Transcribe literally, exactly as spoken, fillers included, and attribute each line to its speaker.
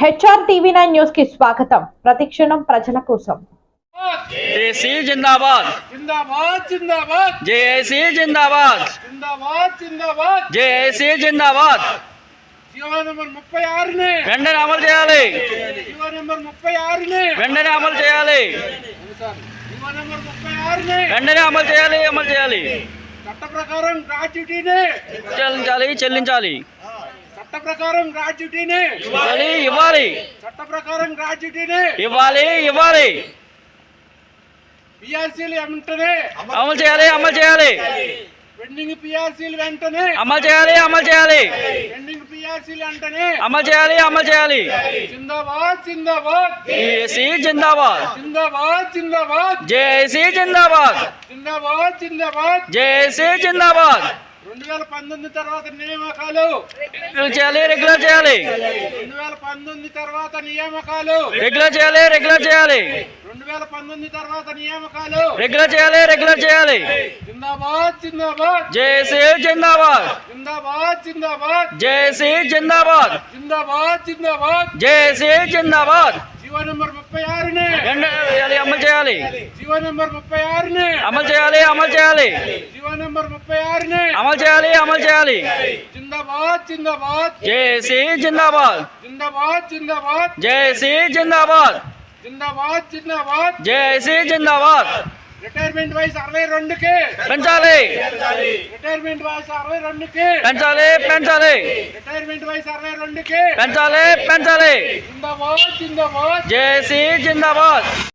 Speaker 1: HR TV nine news కి స్వాగతం. ప్రతిక్షణం ప్రజల కోసం.
Speaker 2: జేఏసీ జిందాబాద్
Speaker 3: జిందాబాద్ జిందాబాద్
Speaker 2: జేఏసీ జిందాబాద్
Speaker 3: జిందాబాద్ జిందాబాద్
Speaker 2: జేఏసీ జిందాబాద్
Speaker 3: జీవో నెంబర్ ముప్పై ఆరుని
Speaker 2: వెంటనే అమలు చేయాలి
Speaker 3: జీవో నెంబర్ ముప్పై ఆరుని
Speaker 2: వెంటనే అమలు చేయాలి
Speaker 3: జీవో నెంబర్ ముప్పై ఆరుని
Speaker 2: వెంటనే అమలు చేయాలి అమలు చేయాలి
Speaker 3: చట్ట ప్రకారం గ్రాట్యుటీని
Speaker 2: చెల్లించాలి చెల్లించాలి
Speaker 3: చట్ట ప్రకారం గ్రాట్యుటీని
Speaker 2: ఇవ్వాలి ఇవ్వాలి
Speaker 3: చట్ట ప్రకారం గ్రాట్యుటీని
Speaker 2: ఇవ్వాలి ఇవ్వాలి
Speaker 3: పిఆర్సీలు వెంటనే
Speaker 2: అమలు చేయాలి అమలు చేయాలి
Speaker 3: పెండింగ్ పిఆర్సీలు వెంటనే
Speaker 2: అమలు చేయాలి అమలు చేయాలి
Speaker 3: పెండింగ్ పిఆర్సీలు వెంటనే
Speaker 2: అమలు చేయాలి అమలు చేయాలి
Speaker 3: జిందాబాద్ జిందాబాద్
Speaker 2: జేఏసీ జిందాబాద్
Speaker 3: జిందాబాద్ జిందాబాద్
Speaker 2: జేఏసీ జిందాబాద్
Speaker 3: జిందాబాద్ జిందాబాద్
Speaker 2: జేఏసీ జిందాబాద్
Speaker 3: రెండు వేల పంతొమ్మిది తర్వాత నియామకాలు
Speaker 2: రెగ్యులర్ చేయాలి రెగ్యులర్ చేయాలి
Speaker 3: రెండు వేల పంతొమ్మిది తర్వాత నియామకాలు
Speaker 2: రెగ్యులర్ చేయాలి రెగ్యులర్ చేయాలి
Speaker 3: రెండు వేల పంతొమ్మిది తర్వాత నియామకాలు
Speaker 2: రెగ్యులర్ చేయాలి రెగ్యులర్ చేయాలి
Speaker 3: జిందాబాద్ జిందాబాద్
Speaker 2: జేఏసీ జిందాబాద్
Speaker 3: జిందాబాద్ జిందాబాద్
Speaker 2: జేఏసీ జిందాబాద్
Speaker 3: జిందాబాద్ జిందాబాద్
Speaker 2: జేఏసీ జిందాబాద్
Speaker 3: జీవో నెంబర్ ముప్పై ఆరుని
Speaker 2: చేయాలి అమలు చేయాలి
Speaker 3: జీవో నెంబర్ ముప్పై ఆరుని
Speaker 2: అమలు చేయాలి అమలు చేయాలి
Speaker 3: జీవో నెంబర్ ముప్పై ఆరుని
Speaker 2: అమలు చేయాలి అమలు చేయాలి
Speaker 3: జిందాబాద్ జిందాబాద్
Speaker 2: జేఏసీ జిందాబాద్
Speaker 3: జిందాబాద్ జిందాబాద్
Speaker 2: జేఏసీ జిందాబాద్
Speaker 3: జిందాబాద్ జిందాబాద్
Speaker 2: జేఏసీ జిందాబాద్
Speaker 3: రిటైర్మెంట్ వయసు అరవై రెండుకి
Speaker 2: పెంచాలి
Speaker 3: రిటైర్మెంట్ వయసు అరవై రెండుకి
Speaker 2: పెంచాలి పెంచాలి
Speaker 3: రిటైర్మెంట్ వయసు అరవై రెండుకి
Speaker 2: పెంచాలి పెంచాలి
Speaker 3: జిందాబాద్ జిందాబాద్
Speaker 2: జేఏసీ జిందాబాద్